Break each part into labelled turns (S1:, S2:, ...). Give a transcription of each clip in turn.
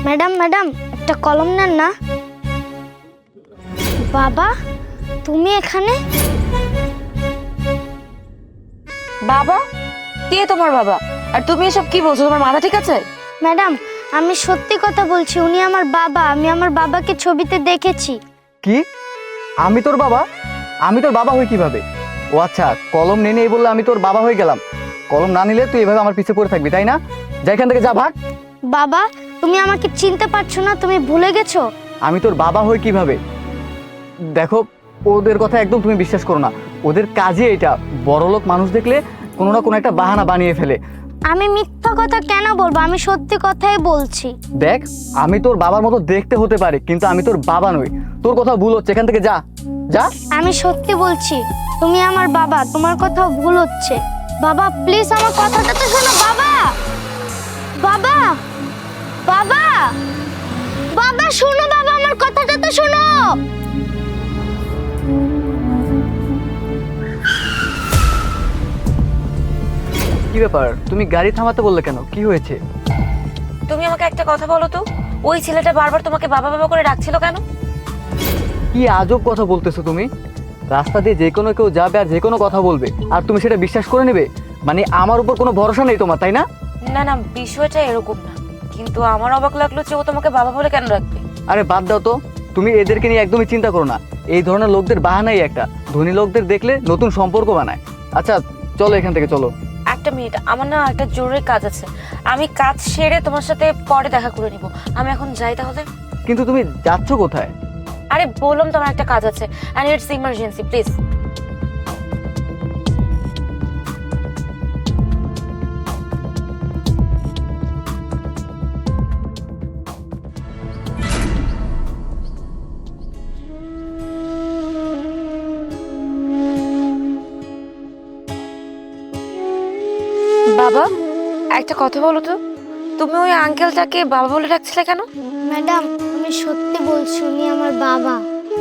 S1: Madam madam একটা কলম নেন না। বাবা তুমি এখানে?
S2: বাবা? কে তোমার বাবা? আর তুমি এসব কি বলছো? তোমার মাথা ঠিক আছে?
S1: ম্যাডাম আমি সত্যি কথা বলছি, উনি আমার বাবা। আমি আমার বাবাকে ছবিতে দেখেছি।
S3: কি? আমি তোর বাবা? আমি তোর বাবা হই কিভাবে? ও আচ্ছা, কলম নিয়ে এই বললে আমি তোর বাবা হয়ে গেলাম। কলম না নিলে তুই এভাবে আমার পিছে পড়ে থাকবি, তাই না? যা এখান থেকে, যা, ভাগ।
S1: বাবা তুমি আমাকে চিনতে পারছো না? তুমি ভুলে গেছো?
S3: আমি তোর বাবা হই কিভাবে? দেখো, ওদের কথা একদম তুমি বিশ্বাস করো না। ওদের কাজে এটা, বড়লোক মানুষ দেখলে কোনো না কোনো একটা বাহানা বানিয়ে ফেলে।
S1: আমি মিথ্যা কথা কেন বলবো? আমি সত্যি কথাই বলছি।
S3: দেখ, আমি তোর বাবার মতো দেখতে হতে পারে, কিন্তু আমি তোর বাবা নই। তোর কথা ভুল হচ্ছে, এখান থেকে যা, যা।
S1: আমি সত্যি বলছি, তুমি আমার বাবা, তোমার কথাও ভুল হচ্ছে। বাবা প্লিজ আমার কথাটা তো শোনো। বাবা বাবা বাবা বাবা শোনো, বাবা আমার কথাটা তো শোনো।
S3: কি ব্যাপার, তুমি গাড়ি থামাতে বললে কেন? কি হয়েছে?
S2: তুমি আমাকে একটা কথা বলো তো, ওই ছেলেটা বারবার তোমাকে বাবা বাবা করে ডাকছিল কেন?
S3: কি আজব কথা বলতেছো তুমি? রাস্তা দিয়ে যে কোনো কেউ যাবে আর যে কোনো কথা বলবে, আর তুমি সেটা বিশ্বাস করে নেবে? মানে আমার উপর কোনো ভরসা নেই তোমার, তাই না?
S2: না না, বিষয়টা এরকম না, কিন্তু আমার অবাক লাগলো যে ও তোমাকে বাবা বলে কেন রাখবে।
S3: আরে বাদ দাও তো, তুমি এদেরকে নিয়ে একদমই চিন্তা করো না। এই ধরনের লোকদের বাহানাই একটা, ধনী লোকদের দেখলে নতুন সম্পর্ক বানায়। আচ্ছা চলো এখান থেকে, চলো।
S2: একটা মিনিট, আমার না একটা জরুরি কাজ আছে। আমি কাজ সেরে তোমার সাথে পরে দেখা করে নিব। আমি এখন যাই তাহলে।
S3: কিন্তু তুমি যাচ্ছ কোথায়?
S2: আরে বললাম তো আমার একটা কাজ আছে, এন্ড ইটস ইমার্জেন্সি, প্লিজ। বাবা, একটা কথা বলো তো, তুমি ওই আঙ্কেলটাকে বাবা বলে ডাকছিলে কেন?
S1: ম্যাডাম আমি সত্যি বলছি, উনি আমার বাবা।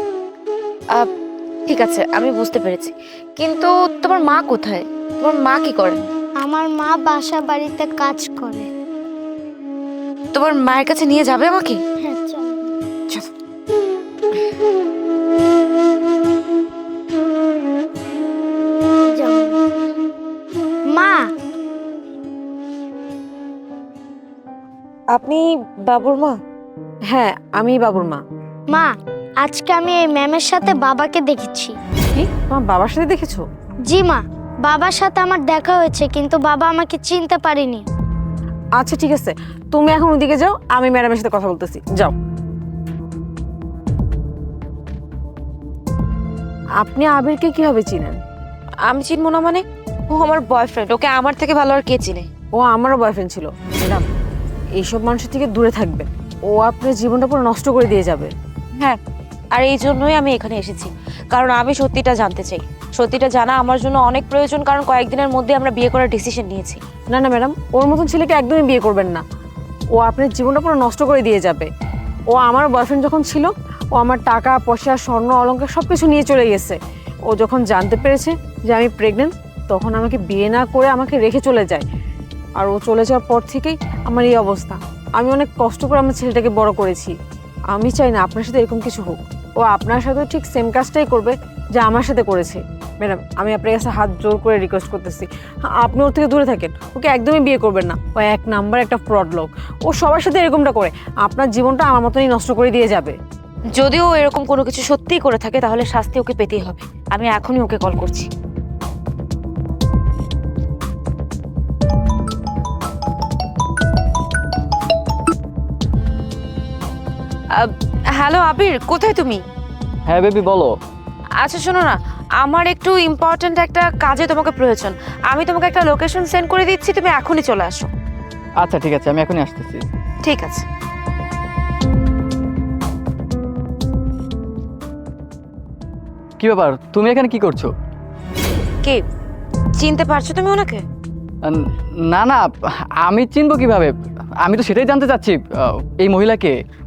S2: ঠিক আছে, আমি বুঝতে পেরেছি, কিন্তু তোমার মা কোথায়? তোমার মা কি করে?
S1: আমার মা বাসা বাড়িতে কাজ করে।
S2: তোমার মায়ের কাছে নিয়ে যাবে আমাকে?
S1: হ্যাঁ চলো।
S2: চলো।
S1: যাও। মা
S2: আপনি বাবুর মা? হ্যাঁ, আমি বাবুর মা।
S1: মা আজকে আমি এই ম্যামের সাথে বাবাকে দেখেছি।
S2: কি, তোমার বাবার সাথে দেখেছো?
S1: জি মা, বাবার সাথে আমার দেখা হয়েছে, কিন্তু বাবা আমাকে চিনতে পারেনি।
S4: আচ্ছা ঠিক আছে, তুমি এখন ওদিকে যাও, আমি ম্যাডামের সাথে কথা বলতেছি, যাও। আপনি আবিরকে কিভাবে চিনেন?
S2: আমি চিনবো না মানে? ও আমার বয়ফ্রেন্ড, ওকে আমার থেকে ভালো আর কে চিনে?
S4: ও আমারও বয়ফ্রেন্ড ছিল। ম্যাডাম, এইসব মানুষের থেকে দূরে থাকবেন, ও আপনার জীবনটা পুরো নষ্ট করে দিয়ে যাবে।
S2: হ্যাঁ, আর এই জন্যই আমি এখানে এসেছি, কারণ আমি সত্যিটা জানতে চাই। সত্যিটা জানা আমার জন্য অনেক প্রয়োজন, কারণ কয়েকদিনের মধ্যে আমরা বিয়ে করার ডিসিশন নিয়েছি।
S4: না না ম্যাডাম, ওর মতন ছেলেকে একদমই বিয়ে করবেন না। ও আপনার জীবনটা পুরো নষ্ট করে দিয়ে যাবে। ও আমার বয়ফ্রেন্ড যখন ছিল, ও আমার টাকা পয়সা স্বর্ণ অলংকার সব কিছু নিয়ে চলে গেছে। ও যখন জানতে পেরেছে যে আমি প্রেগনেন্ট, তখন আমাকে বিয়ে না করে আমাকে রেখে চলে যায়। আর ও চলে যাওয়ার পর থেকেই আমার এই অবস্থা। আমি অনেক কষ্ট করে আমার ছেলেটাকে বড় করেছি। আমি চাই না আপনার সাথে এরকম কিছু হোক। ও আপনার সাথেও ঠিক সেম কাজটাই করবে যা আমার সাথে করেছে। ম্যাডাম, আমি আপনার কাছে হাত জোর করে রিকোয়েস্ট করতেছি, আপনি ওর থেকে দূরে থাকেন। ওকে একদমই বিয়ে করবেন না। ও এক নাম্বার একটা ফ্রড লোক। ও সবার সাথে এরকমটা করে। আপনার জীবনটা আমার মতনই নষ্ট করে দিয়ে যাবে।
S2: যদিও এরকম কোনো কিছু সত্যিই করে থাকে, তাহলে শাস্তি ওকে পেতেই হবে। আমি এখনই ওকে কল করছি। হ্যালো আবির, কোথায় তুমি?
S3: হ্যাঁ বেবি, বলো।
S2: আচ্ছা শোনো না, আমার একটু ইম্পর্ট্যান্ট একটা কাজে তোমাকে প্রয়োজন। আমি তোমাকে একটা লোকেশন সেন্ড করে দিচ্ছি, তুমি এখনই চলে আসো।
S3: আচ্ছা ঠিক আছে, আমি এখনই আসতেছি।
S2: ঠিক আছে।
S3: কি ব্যাপার, তুমি এখানে কি করছো?
S2: কে? চিনতে পারছো তুমি ওনাকে?
S3: না না, আমি চিনবো কিভাবে? আমি তো সেটাই জানতে চাচ্ছি, এই মহিলাকে।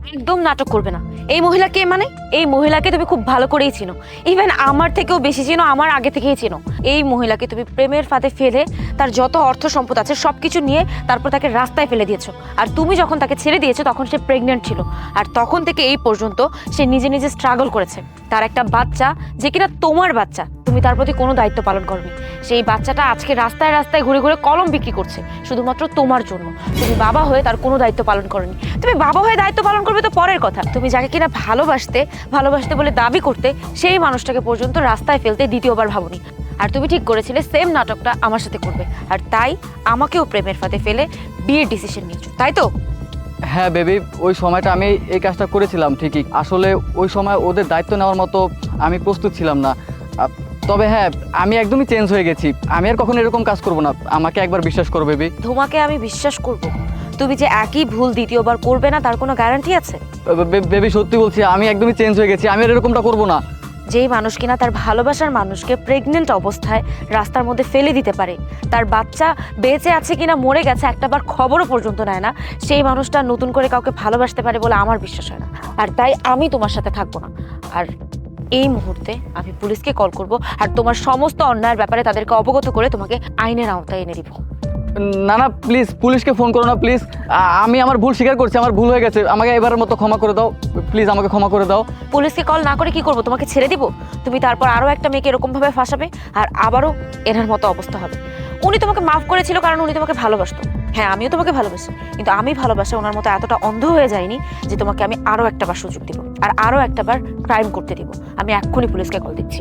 S2: একদম নাটক করবে না। এই মহিলা কে মানে? এই মহিলাকে তুমি খুব ভালো করেই চিনো, ইভেন আমার থেকেও বেশি চিনো, আমার আগে থেকেই চিনো। এই মহিলাকে তুমি প্রেমের ফাঁদে ফেলে তার যত অর্থ সম্পদ আছে সবকিছু নিয়ে তারপর তাকে রাস্তায় ফেলে দিয়েছো। আর তুমি যখন তাকে ছেড়ে দিয়েছো তখন সে প্রেগনেন্ট ছিল, আর তখন থেকে এই পর্যন্ত সে নিজে নিজে স্ট্রাগল করেছে। তার একটা বাচ্চা যে কিনা তোমার বাচ্চা, তুমি তার প্রতি কোনো দায়িত্ব পালন করনি। সেই বাচ্চাটা আজকে রাস্তায় রাস্তায় ঘুরে ঘুরে কলম বিক্রি করছে শুধুমাত্র তোমার জন্য। তুমি বাবা হয়ে তার কোনো দায়িত্ব পালন করনি। তুমি বাবা হয়ে দায়িত্ব পালন করবে তো পরের কথা, তুমি যাকে কিনা ভালোবাসতে বলে দাবি করতে, সেই মানুষটাকে পর্যন্ত রাস্তায় ফেলতে দ্বিতীয়বার ভাবনি। আর তুমি ঠিক করেছিলে সেম নাটকটা আমার সাথে করবে, আর তাই আমাকেও প্রেমের ফাঁদে ফেলে বিয়ের ডিসিশন নিয়েছো, তাই তো?
S3: হ্যাঁ বেবি, ওই সময়টা আমি এই কাজটা করেছিলাম ঠিকই। আসলে ওই সময় ওদের দায়িত্ব নেওয়ার মতো আমি প্রস্তুত ছিলাম না। তবে হ্যাঁ, আমি একদমই চেঞ্জ হয়ে গেছি। আমি আর কখনো এরকম কাজ করব না, আমাকে একবার বিশ্বাস করো বেবি।
S2: তোমাকে আমি বিশ্বাস করব? তুমি যে একই ভুল দ্বিতীয়বার করবে না তার কোনো গ্যারান্টি আছে?
S3: বেবি সত্যি বলছি, আমি একদমই চেঞ্জ হয়ে গেছি, আমি আর এরকমটা করব না।
S2: যেই মানুষ কিনা তার ভালোবাসার মানুষকে প্রেগনেন্ট অবস্থায় রাস্তার মধ্যে ফেলে দিতে পারে, তার বাচ্চা বেঁচে আছে কিনা মরে গেছে একটাবার খবরও পর্যন্ত নেয় না, সেই মানুষটা নতুন করে কাউকে ভালোবাসতে পারে বলে আমার বিশ্বাস হয় না। আর তাই আমি তোমার সাথে থাকবো না। আর এই মুহূর্তে আমি পুলিশকে কল করব, আর তোমার সমস্ত অন্যায়ের ব্যাপারে তাদেরকে অবগত করে তোমাকে আইনের আওতায় এনে দিব।
S3: না না প্লিজ, পুলিশকে ফোন করো না প্লিজ। আমি আমার ভুল স্বীকার করছি, আমার ভুল হয়ে গেছে, আমাকে এবারের মতো ক্ষমা করে দাও প্লিজ, আমাকে ক্ষমা করে দাও।
S2: পুলিশকে কল না করে কি করব? তোমাকে ছেড়ে দিব? তুমি তারপর আরও একটা মেয়েকে এরকমভাবে ফাঁসাবে, আর আবারও এনার মতো অবস্থা হবে। উনি তোমাকে মাফ করেছিল কারণ উনি তোমাকে ভালোবাসতো। হ্যাঁ, আমিও তোমাকে ভালোবাসি, কিন্তু আমি ভালোবাসা ওনার মতো এতটা অন্ধ হয়ে যায়নি যে তোমাকে আমি আরও একটাবার সুযোগ দিব, আর আরও একটাবার ক্রাইম করতে দিব। আমি এক্ষুনি পুলিশকে কল দিচ্ছি।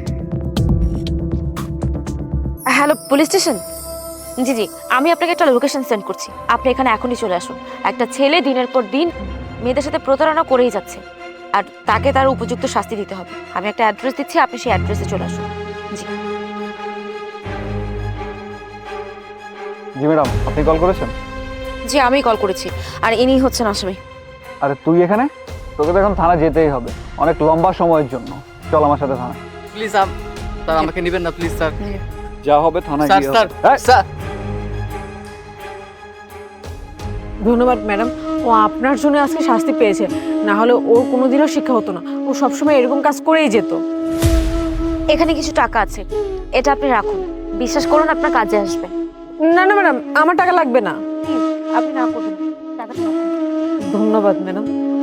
S2: Hello, police station? জি জি, আমি আপনাকে একটা লোকেশন সেন্ড করছি, আপনি এখানে এখনই চলে আসুন। একটা ছেলে দিনের পর দিন মেয়েদের সাথে প্রতারণা করেই যাচ্ছে, আর তাকে তার উপযুক্ত শাস্তি দিতে হবে। আমি একটা অ্যাড্রেস দিচ্ছি, আপনি সেই অ্যাড্রেসে চলে আসুন। জি
S3: জি ম্যাডাম, আপনি কল করেছেন?
S2: জি, আমি কল করেছি, আর ইনি হচ্ছেন আসামি।
S3: আরে তুই এখানে? তোকে তো এখন থানা যেতেই হবে, অনেক লম্বা সময়ের জন্য। চল আমার সাথে থানা। প্লিজ স্যার, আমাকে নেবেন না প্লিজ স্যার। যা হবে থানায় গিয়ে হবে। স্যার
S4: ধন্যবাদ ম্যাডাম, ও আপনার জন্য আজকে শাস্তি পেয়েছে, না হলে ওর কোনোদিনও শিক্ষা হতো না। ও সবসময় এরকম কাজ করেই যেত।
S2: এখানে কিছু টাকা আছে, এটা আপনি রাখুন, বিশ্বাস করুন আপনার কাজে আসবে।
S4: না না ম্যাডাম, আমার টাকা লাগবে না।
S2: প্লিজ আপনি না করবেন, টাকাটা রাখুন।
S4: ধন্যবাদ ম্যাডাম।